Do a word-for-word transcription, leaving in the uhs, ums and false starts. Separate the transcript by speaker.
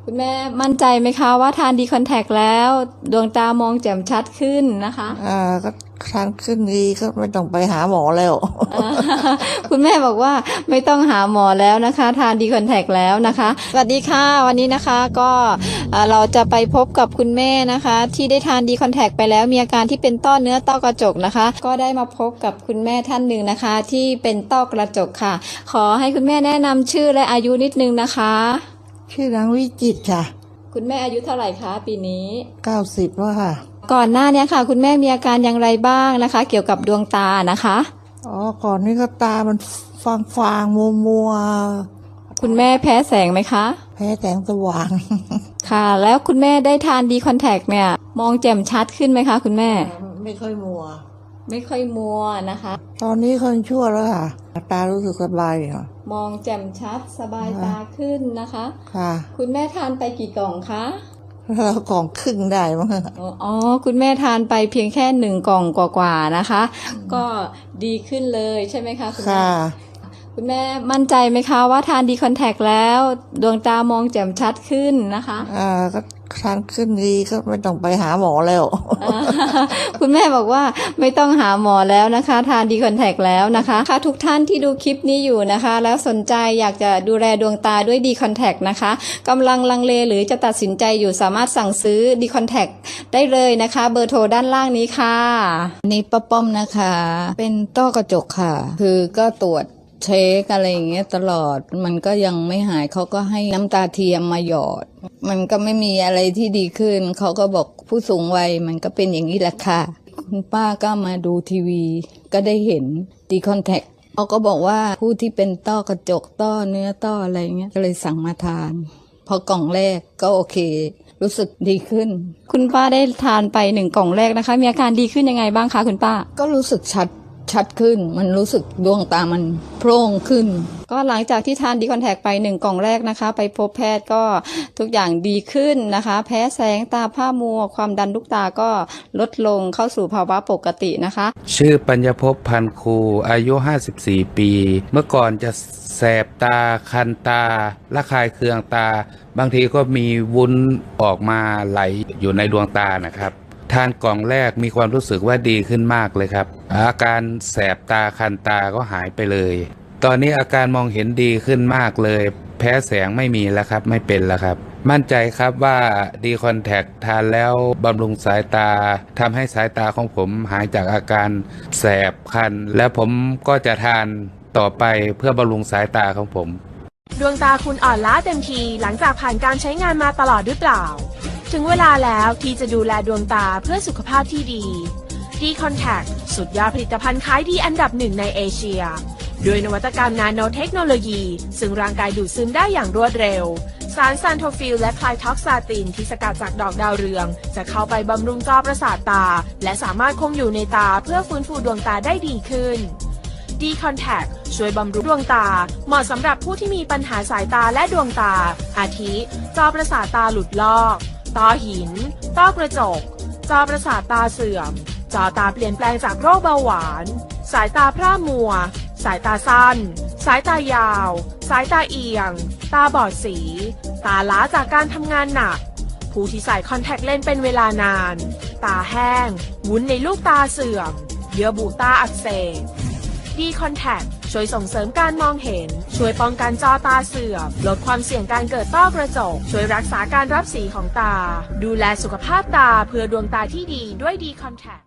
Speaker 1: คุณแม่มั่นใจไหมคะว่าทานดีคอนแทคแล้วดวงตามองแจ่มชัดขึ้นนะคะ
Speaker 2: อ่าก็ทานขึ้นดีก็ไม่ต้องไปหาหมอแล้ว
Speaker 1: คุณแม่บอกว่าไม่ต้องหาหมอแล้วนะคะทานดีคอนแทคแล้วนะคะสวัสดีค่ะวันนี้นะคะก็เราจะไปพบกับคุณแม่นะคะที่ได้ทานดีคอนแทคไปแล้วมีอาการที่เป็นต้อเนื้อต้อกระจกนะคะก็ได้มาพบกับคุณแม่ท่านหนึ่งนะคะที่เป็นต้อกระจกค่ะขอให้คุณแม่แนะนำชื่อและอายุนิดนึงนะคะ
Speaker 2: ชื่อนางวิจิตรค่ะ
Speaker 1: คุณแม่อายุเท่าไหร่คะปีนี้
Speaker 2: เก้าสิบว่าค่ะ
Speaker 1: ก่อนหน้านี้ค่ะคุณแม่มีอาการอย่างไรบ้างนะคะเกี่ยวกับดวงตานะคะ
Speaker 2: อ๋อก่อนนี้ก็ตามันฟางฟางมัวมัว
Speaker 1: คุณแม่แพ้แสงไหมคะ
Speaker 2: แพ้แสงสว่าง
Speaker 1: ค่ะแล้วคุณแม่ได้ทานดีคอนแทคเนี่ยมองแจ่มชัดขึ้นไหมคะคุณแม่
Speaker 2: ไม่ค่อยมัว
Speaker 1: ไม่ค่อยมัวนะคะ
Speaker 2: ตอนนี้คนชั่วแล้วค่ะตารู้สึกสบายค่ะ
Speaker 1: มองแจ่มชัดสบายตาขึ้นนะคะ
Speaker 2: ค่ะ
Speaker 1: คุณแม่ทานไปกี่กล่องคะ
Speaker 2: แล้วกล่องครึ่งได้มั้ง
Speaker 1: อ๋อคุณแม่ทานไปเพียงแค่หนึ่งกล่องกว่าๆนะคะก็ดีขึ้นเลยใช่ไหมคะคุณแม่คุณแม่มั่นใจไหมคะว่าทานดีคอนแทคแล้วดวงตามองแจ่มชัดขึ้นนะคะ
Speaker 2: อ่าก็ทานขึ้นดีก็ไม่ต้องไปหาหมอแล้ว
Speaker 1: คุณแม่บอกว่าไม่ต้องหาหมอแล้วนะคะทานดีคอนแทคแล้วนะคะค่ะทุกท่านที่ดูคลิปนี้อยู่นะคะแล้วสนใจอยากจะดูแลดวงตาด้วยดีคอนแทคนะคะกำลังลังเลหรือจะตัดสินใจอยู่สามารถสั่งซื้อดีคอนแทคได้เลยนะคะเบอร์โทรด้านล่างนี้ค่ะ
Speaker 3: นี่ป้าป้อมนะคะเป็นต้อกระจกค่ะคือก็ตรวจเช็คอะไรอย่างเงี้ยตลอดมันก็ยังไม่หายเขาก็ให้น้ำตาเทียมมาหยอดมันก็ไม่มีอะไรที่ดีขึ้นเขาก็บอกผู้สูงวัยมันก็เป็นอย่างนี้แหละค่ะคุณป้าก็มาดูทีวีก็ได้เห็นดีคอนแทคเขาก็บอกว่าผู้ที่เป็นต้อกระจกต้อเนื้อต้ออะไรเงี้ยก็เลยสั่งมาทานพอกล่องแรกก็โอเครู้สึกดีขึ้น
Speaker 1: คุณป้าได้ทานไปหนึ่งกล่องแรกนะคะมีอาการดีขึ้นยังไงบ้างคะคุณป้า
Speaker 3: ก็รู้สึกชัดชัดขึ้นมันรู้สึกดวงตามันโพร่งขึ้น
Speaker 1: ก็หลังจากที่ทานดีคอนแทคไปหนึ่งกล่องแรกนะคะไปพบแพทย์ก็ทุกอย่างดีขึ้นนะคะแพ้แสงตาผ้ามัวความดันลูกตาก็ลดลงเข้าสู่ภาวะปกตินะคะ
Speaker 4: ชื่อปัญญภพพันคูอายุห้าสิบสี่ปีเมื่อก่อนจะแสบตาคันตาระคายเคืองตาบางทีก็มีวุ้นออกมาไหลอยู่ในดวงตานะครับทานกล่องแรกมีความรู้สึกว่าดีขึ้นมากเลยครับอาการแสบตาคันตาก็หายไปเลยตอนนี้อาการมองเห็นดีขึ้นมากเลยแพ้แสงไม่มีแล้วครับไม่เป็นแล้วครับมั่นใจครับว่าดีคอนแทคทานแล้วบำรุงสายตาทำให้สายตาของผมหายจากอาการแสบคันและผมก็จะทานต่อไปเพื่อบำรุงสายตาของผม
Speaker 5: ดวงตาคุณอ่อนล้าเต็มทีหลังจากผ่านการใช้งานมาตลอดหรือเปล่าถึงเวลาแล้วที่จะดูแลดวงตาเพื่อสุขภาพที่ดีดีคอนแทคสุดยอดผลิตภัณฑ์ขายดีอันดับหนึ่งในเอเชียด้วยนวัตกรรมนาโนเทคโนโลยีซึ่งร่างกายดูดซึมได้อย่างรวดเร็วสารซันโทฟิลและไคลท็อกซาตินที่สกัดจากดอกดาวเรืองจะเข้าไปบำรุงจอประสาทตาและสามารถคงอยู่ในตาเพื่อฟื้นฟูดวงตาได้ดีขึ้นดีคอนแทคช่วยบำรุงดวงตาเหมาะสำหรับผู้ที่มีปัญหาสายตาและดวงตาอาทิจอประสาทตาหลุดลอกต้อหินต้อกระจกจอประสาทตาเสื่อมจอตาเปลี่ยนแปลงจากโรคเบาหวานสายตาพร่ามัวสายตาสั้นสายตายาวสายตาเอียงตาบอดสีตาล้าจากการทำงานหนักผู้ที่ใส่คอนแทคเลนส์เป็นเวลานานตาแห้งวุ้นในลูกตาเสื่อมเยื่อบุตาอักเสบดีคอนแทคช่วยส่งเสริมการมองเห็นช่วยป้องกันจอตาเสื่อมลดความเสี่ยงการเกิดต้อกระจกช่วยรักษาการรับสีของตาดูแลสุขภาพตาเพื่อดวงตาที่ดีด้วยดีคอนแทค